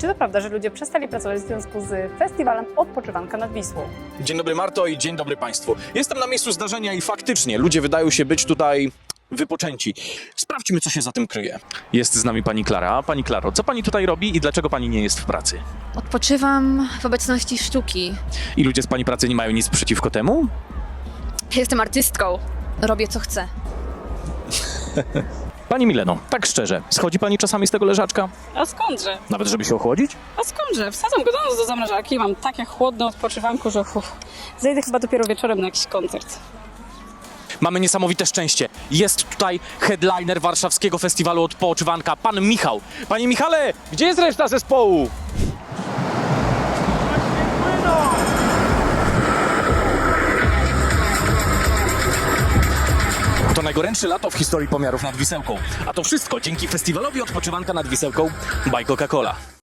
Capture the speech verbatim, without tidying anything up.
Czy to prawda, że ludzie przestali pracować w związku z festiwalem Odpoczywanka nad Wisłą? Dzień dobry Marto i dzień dobry Państwu. Jestem na miejscu zdarzenia i faktycznie ludzie wydają się być tutaj wypoczęci. Sprawdźmy, co się za tym kryje. Jest z nami pani Klara. Pani Klaro, co pani tutaj robi i dlaczego pani nie jest w pracy? Odpoczywam w obecności sztuki. I ludzie z pani pracy nie mają nic przeciwko temu? Jestem artystką. Robię co chcę. Pani Mileno, tak szczerze, schodzi pani czasami z tego leżaczka? A skądże? Nawet żeby się ochłodzić? A skądże? Wsadzam go do nas do zamrażarki, mam takie chłodne odpoczywanku, że uf, zejdę chyba dopiero wieczorem na jakiś koncert. Mamy niesamowite szczęście. Jest tutaj headliner warszawskiego festiwalu Odpoczywanka, pan Michał. Panie Michale, gdzie jest reszta zespołu? To najgorętsze lato w historii pomiarów nad Wisełką. A to wszystko dzięki festiwalowi Odpoczywanka nad Wisełką by Coca-Cola.